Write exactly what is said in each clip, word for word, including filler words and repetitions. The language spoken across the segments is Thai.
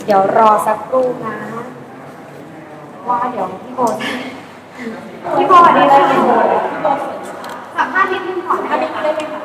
เดี๋ยวรอสักครู่นะว่าเดี๋ยวพี่โบพี่โบสวัสดีเลยพี่โบสัมภาษณ์นิดนึงก่อนได้ไหมคะได้ไหมคะ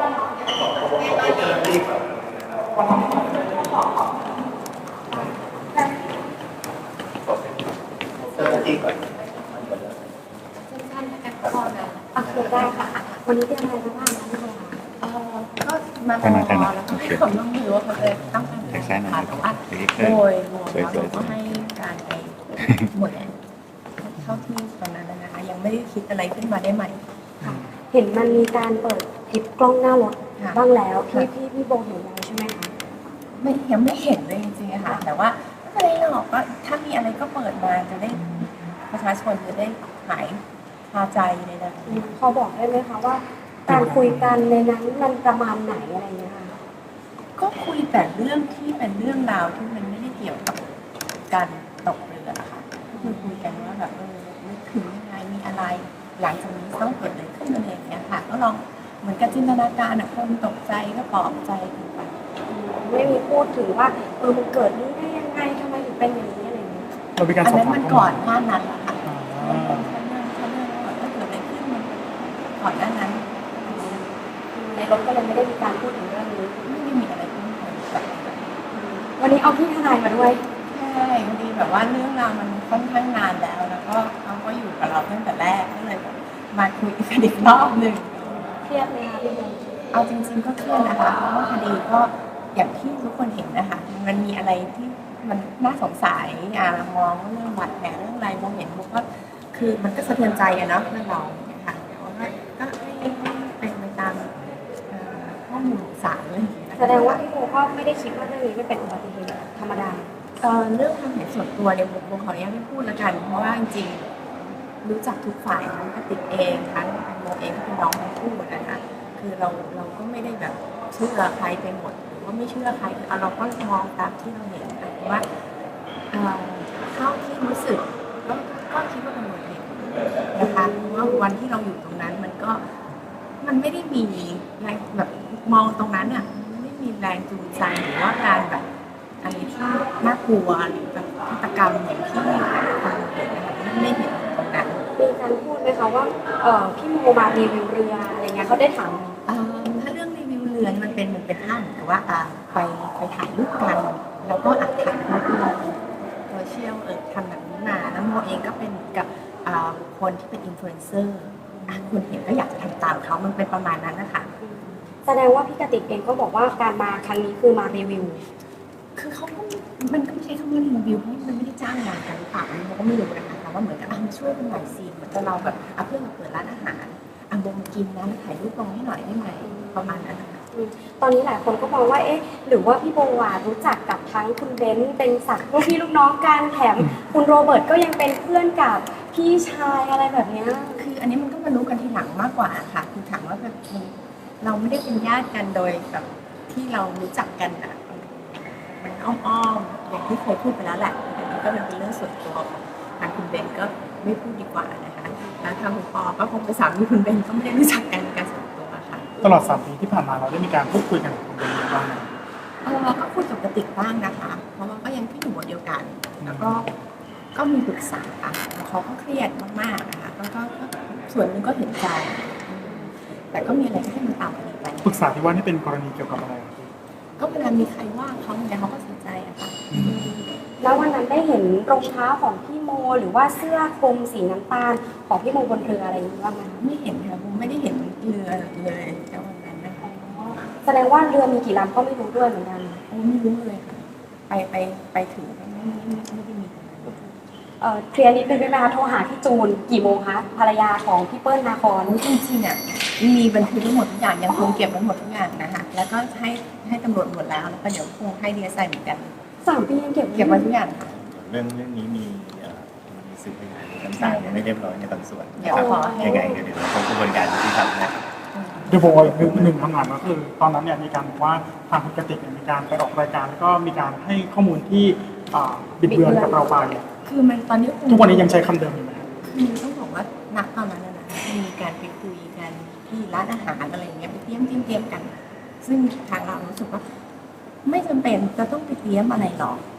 สั้นๆแล้วกันก่อนนะโอเคได้ค่ะวันนี้เตรียมอะไรมาบ้างคะพี่โบเอ่อก็มาพอแล้วก็ให้ความร่วมมือว่าเขาจะต้องการการผ่านแต่ว่าโดยรวมแล้วเราก็ให้การไปหมดแล้วเท่าที่ตอนนั้นนะคะยังไม่ได้คิดอะไรขึ้นมาได้ใหม่ค่ะเห็นมันมีการเปิดคลิปกล้องหน้ารถบ้างแล้วพี่พี่พี่โบเห็นแล้วใช่ไหมคะไม่ยังไม่เห็นเลยจริงๆค่ะแต่ว่าไม่เป็นไรหรอกก็ถ้ามีอะไรก็เปิดมาจะได้ประชาชนจะได้หายคาใจเลยนะพอบอกได้ไหมคะว่าการคุยกันในนั้นมันประมาณไหนอะไรเงี้ยค่ะก็คุยแต่เรื่องที่เป็นเรื่องราวที่มันไม่ได้เกี่ยวกับการตกเรือค่ะคือคุยกันว่าแบบเออนึกถึงยังไงมีอะไรหลังจากนี้ต้องเกิดอะไรขึ้นอะไรอย่างเงี้ยค่ะก็ลองเหมือนกับจินตนาการอะคนตกใจก็ปลอบใจกันไปไม่มีพูดถึงว่าเออมันเกิดนี้ได้ยังไงทำไมถึงเป็นอย่างนี้อะไรเงี้ยเรามีการอันสอบนั้นถามมันก่อนหน้านั้นแหละค่ะถ้าเรื่องถ้าเรื่องว่าถ้าเกิดอะไรขึ้นมันก่อนหน้านั้นในรถก็เลยไม่ได้มีการพูดถึงเรื่องนี้ไม่ได้มีอะไรเพิ่มเติมวันนี้เอาพี่ทนายมาด้วยใช่พอดีแบบว่าเรื่องราวมันค่อนข้างนานแล้วแล้วก็เขาก็อยู่กับเราตั้งแต่แรกก็เลยมาคุยกันอีกรอบหนึ่งเครียดไหมคะพี่โบเอาจริงๆก็เครียดนะคะเพราะว่าคดีก็อย่างที่ทุกคนเห็นนะคะมันมีอะไรที่มันน่าสงสัยอ่ามองเรื่องบาดแผลเรื่องอะไรมองเห็นบุกก็คือมันก็สะเทือนใจอะเนาะเรื่องเราเนี่ยค่ะแต่ว่าก็ให้เป็นไปตามข้อมูลศาลเลยแสดงว่าพี่โบก็ไม่ได้คิดว่าเรื่องนี้ไม่เป็นอุบัติเหตุธรรมดาเรื่องความเห็นส่วนตัวเนี่ยบุกขออนุญาตไม่พูดแล้วกันเพราะว่าจริงๆรู้จักทุกฝ่ายทั้งกติกเองทั้งโมเองที่เป็นน้องทั้งคู่นะคะคือเราเราก็ไม่ได้แบบเชื่อใครไปหมดหรือว่าไม่เชื่อใครเอาเราก็มองตามที่เราเห็นแต่ว่าเท่าที่รู้สึกก็ก็คิดว่าเป็นอุบัติเหตุนะคะเพราะว่าวันที่เราอยู่ตรงนั้นมันก็มันไม่ได้มีแรงแบบมองตรงนั้นอ่ะไม่มีแรงจูงใจหรือว่าการแบบอะไรที่น่ากลัวหรือแบบฆาตกรรมอย่างที่คนเห็นนะคะไม่เห็นตรงนั้นมีการพูดไหมคะว่าเออพี่โมมารีวิวเรืออะไรเงี้ยเขาได้ถามถ้าเรื่องรีวิวเรือมันเป็นมันเป็นท่าเหมือนกับว่าไปไปถ่ายรูปกันแล้วก็อัดถ่ายรูปลงโซเชียลเออทำแบบนี้มาแล้วโมเองก็เป็นกับคนที่เป็นอินฟลูเอนเซอร์คนเห็นก็อยากจะทำตามเขามันเป็นประมาณนั้นนะคะแสดงว่าพี่กติกเองก็บอกว่าการมาครั้งนี้คือมารีวิวคือเขาก็มันก็ไม่ใช่คำว่ารีวิวเพราะมันไม่ได้จ้างงานกันหรือเปล่าเราก็ไม่รู้นะคะแต่ว่าเหมือนกับมาช่วยกันหน่อยสิเหมือนกับเราแบบเพื่อนมาเปิดร้านอาหารอ่ะโบมากินนะถ่ายรูปลงให้หน่อยได้ไหมประมาณนั้นนะคะตอนนี้หลายคนก็มองว่าเอ๊ะหรือว่าพี่โบวารู้จักกับทั้งคุณเบนซ์เป็นศักดิ์ลูกพี่ลูกน้องกันแถมคุณโรเบิร์ตก็ยังเป็นเพื่อนกับพี่ชายอะไรแบบนี้คืออันนี้มันก็มารู้กันทีหลังมากกว่าค่ะคือถามว่าแบบเราไม่ได้เป็นญาติกันโดยแบบที่เรารู้จักกันอ่ะมันอ้อมๆอย่างที่เคยพูดไปแล้วแหละอันนี้ก็เป็นเรื่องส่วนตัวของทางคุณเบนก็ไม่พูดดีกว่านะคะแล้วทางคุณปอก็คงเป็นสามีคุณเบนก็ไม่ได้รู้จักกันในการส่วนตัวค่ะตลอดสามปีที่ผ่านมาเราได้มีการพูดคุยกันกับคุณเบนบ้างไหมเออก็คุยกับกติกบ้างนะคะเพราะว่าก็ยังที่อยู่บนเดียวกันแล้วก็ก็มีปรึกษาเขาก็เครียดมากๆนะคะก็ก็ส่วนนึงก็เห็นใจแต่ก็มีอะไรที่ให้มันตามกันไปปรึกษาที่ว่านี่เป็นกรณีเกี่ยวกับอะไรก็เวลามีใครว่าเขาเนี่ยเขาก็เสียใจอะค่ะแล้ววันนั้นได้เห็นรองเท้าของพี่โมหรือว่าเสื้อคลุมสีน้ำตาลของพี่โมบนเรืออะไรอย่างนี้บ้างไหมไม่เห็นค่ะผมไม่ได้เห็นเรือเลยแต่วันนั้นนะคะแสดงว่าเรือมีกี่ลำก็ไม่รู้ด้วยเหมือนกันโอ้ไม่รู้เลยค่ะไปไปไปถึงไม่ไม่ไม่ได้มีเอ่อเคลียร์นิดนึงได้ไหมคะโทรหาพี่จูนกี่โมงคะภรรยาของพี่เปิ้ลนาคอนจริงๆอ่ะมีบันทึกทั้งหมดทุกอย่างยังคงเก็บไว้หมดทุกอย่างนะคะแล้วก็ให้ให้ตำรวจหมดแล้วแล้วก็เดี๋ยวคงให้ดีเอสไอเหมือนกันสามปียังเก็บเก็บไว้ทุกอย่างค่ะเรื่องเรื่องนี้มีมีสื่อพยานน้ำตาลยังไม่เรียบร้อยในบางส่วนเดี๋ยวขอยังไงเดี๋ยวเดี๋ยวคงกระบวนการที่ทำนะโดยโบหนึ่งหนึ่งทำงานก็คือตอนนั้นเนี่ยมีการบอกว่าทางคุณกติกมีการไปออกรายการแล้วก็มีการให้ข้อมูลที่บิดเบือนกับเราไปคือมันตอนนี้ทุกวันนี้ยังใช้คำเดิมอยู่ไหมคือต้องบอกว่านักตอนนั้นนะมีการไปคุยกันที่ร้านอาหารอะไรอย่างเงี้ยไปเตรียมเตรียมกันซึ่งทางเรารู้สึกว่าไม่จำเป็นจะต้องไปเตรียมอะไรหรอก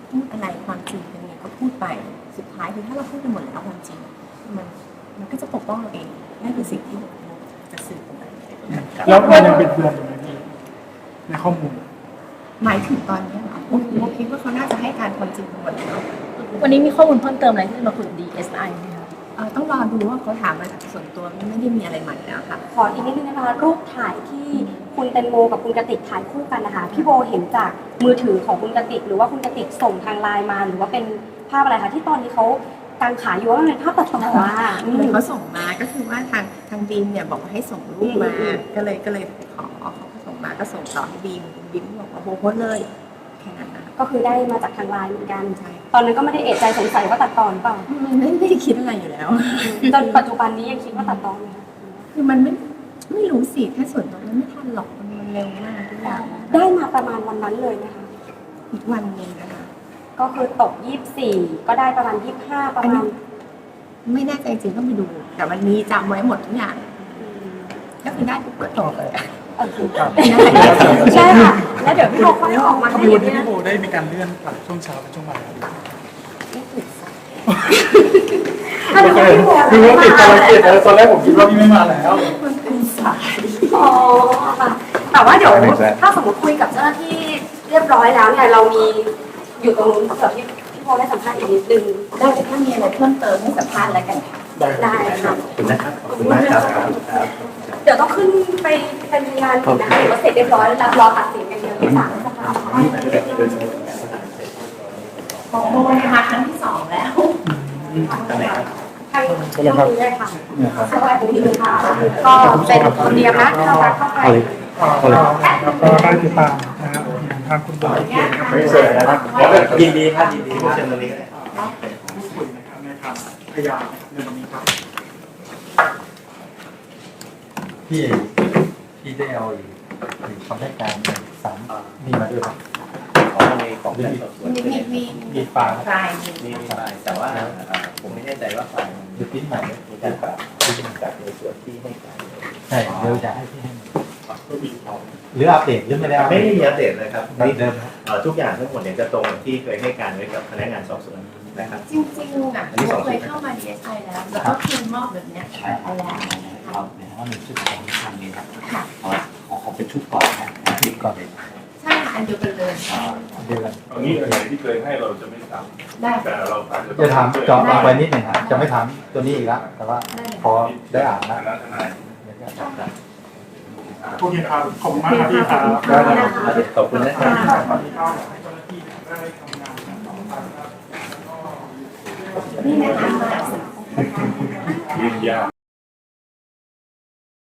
พูดอะไรความจริงเป็นไงก็พูดไปสุดท้ายคือถ้าเราพูดไปหมดแล้วความจริงมันมันก็จะปกป้องเราเองนั่นคือสิ่งที่จะสื่อออกไปแล้วมันยังบิดเบือนอยู่ไหมพี่ในข้อมูลหมายถึงตอนนี้เหรอโอ้โหคิดว่าเขาน่าจะให้การความจริงหมดแล้ววันนี้มีข้อมูลเพิ่มเติมอะไรที่จะมาคุยกับ ดี เอส ไอ ไหมคะเอ่อต้องรอดูว่าเขาถามมาจากส่วนตัวไม่ได้มีอะไรใหม่แล้วค่ะขออีกนิดนึงนะคะรูปถ่ายที่คุณแตงโมกับคุณกติกถ่ายคู่กันนะคะพี่โบเห็นจากมือถือของคุณกติกหรือว่าคุณกติกส่งทางไลน์มาหรือว่าเป็นภาพอะไรคะที่ตอนนี้เขากางขาอยู่ว่ามันเป็นภาพตัดต่อว่าอืเหมือนมเขาส่งมาก็คือว่าทางทางบีมเนี่ยบอกว่าให้ส่งรูปมาอืมก็เลยก็เลยขอเขาก็ส่งมาก็ส่งต่อให้บีมบีมบอกว่าโบโพสต์เลยแค่นั้นนะก็คือได้มาจากทางไลน์เหมือนกันใช่ตอนนั้นก็ไม่ได้เอะใจสงสัยว่าตัดต่อหรือเปล่าไม่ไม่ไม่ได้คิดอะไรอยู่แล้วจนปัจจุบันนี้ยังคิดว่าตัดต่อไหมคะคือมันไม่ไม่รู้สิแค่ส่วนตัวมันไม่ทันหรอกมันมันเร็วมากทุกอย่างได้มาประมาณวันนั้นเลยนะคะอีกวันหนึงนะคะก็คือตกยี่สิบสี่ก็ได้ประมาณยี่สิบห้าประมาณไม่แน่ใจจริงต้องไปดู แต่มันมีจำไว้หมดทุกอย่างอืมก็คือได้ปุ๊บก็จบเลยเออครับใช่ค่ะแล้วเดี๋ยวพี่โบค่อยออกมาถ้าให้มีวันที่เนี่ยพี่โบได้มีการเลื่อนจากช่วงเช้าเป็นช่วงบ่ายไม่ถูกสักถ้าเดี๋ยวพี่โบคือว่าติดภารกิจแล้วตอนแรกผมคิดว่าพี่ไม่มาแล้วมันเป็นสายอ๋อค่ะแต่ว่าเดี๋ยวถ้าสมมติคุยกับเจ้าหน้าที่เรียบร้อยแล้วเนี่ยเรามีอยู่ตรงนู้นเผื่อพี่พี่โบได้สัมภาษณ์อีกนิดนึงได้แต่ถ้ามีอะไรเพิ่มเติมให้สัมภาษณ์แล้วกันค่ะได้ค่ะขอบคุณนะครับขอบคุณมากครับครับเดี๋ยวต้องขึ้นไปเป็นพยานอีกนะคะหรือว่าเสร็จเรียบร้อยแล้วรอตัดสินกันเดียวที่ศาลนะคะของโบนะคะครั้งที่สองแล้วตำแหน่งครับทางช่วงนี้เลยค่ะสวัสดีค่ะก็เป็นคนเดียวนะที่เราเข้าไปแล้วก็ได้ติดตามนะครับทางคุณบอยไม่เสร็จนะครับยินดีครับยินดีที่เชิญตรงนี้ก็ได้พูดคุยนะครับในทางพยานในวันนี้ครับพี่พี่ได้เอาอีกอีกคำให้การสามมีมาด้วยครับของในของการสอบสวนมีมีมีมีปากรายมีมีไฟล์แต่ว่าผมไม่แน่ใจว่าไฟล์มันดูปิ้นใหม่มีการปรับที่เป็นจากในส่วนที่ให้การใช่เดี๋ยวจะให้พี่ให้หรืออัปเดตหรือไม่ได้อัปเดไม่ตได้มีอัปเดตเลยครับนี่เดิมครับเอ่อทุกอย่างทั้งหมดเนี่ยจะตรงที่เคยให้การไว้กับพนักงานสอบสวนนะครับจริงๆอ่ะเราเคยเข้ามา ดี เอส ไอ แล้วแล้วก็คืนมอบแบบเนี้ยไปแล้วเราเนี่ยว่าเป็นชุดของทางนี้ครับค่ะเอาละของเขาเป็นชุดก่อนนะชุดก่อนเลยใช่ค่ะอันเดียวกันเลยเดี๋ยวกันตอนนี้อะไรที่เคยให้เราจะไม่ทได้ำแต่เราอาจจะจะถามเจาะลงไปนิดหนึ่งครับจะไม่ถามตัวนี้อีกแล้วแต่ว่าพอได้อ่านฐาแล้วนะทนายเดี๋ยวจะโอเคครับขอบคุณมากครับพี่ครับขอบคุณนะครับตอนนี้ก็ให้เจ้าหน้าที่ได้ทำงานต่อไปครับนี่นะคะยืนยาว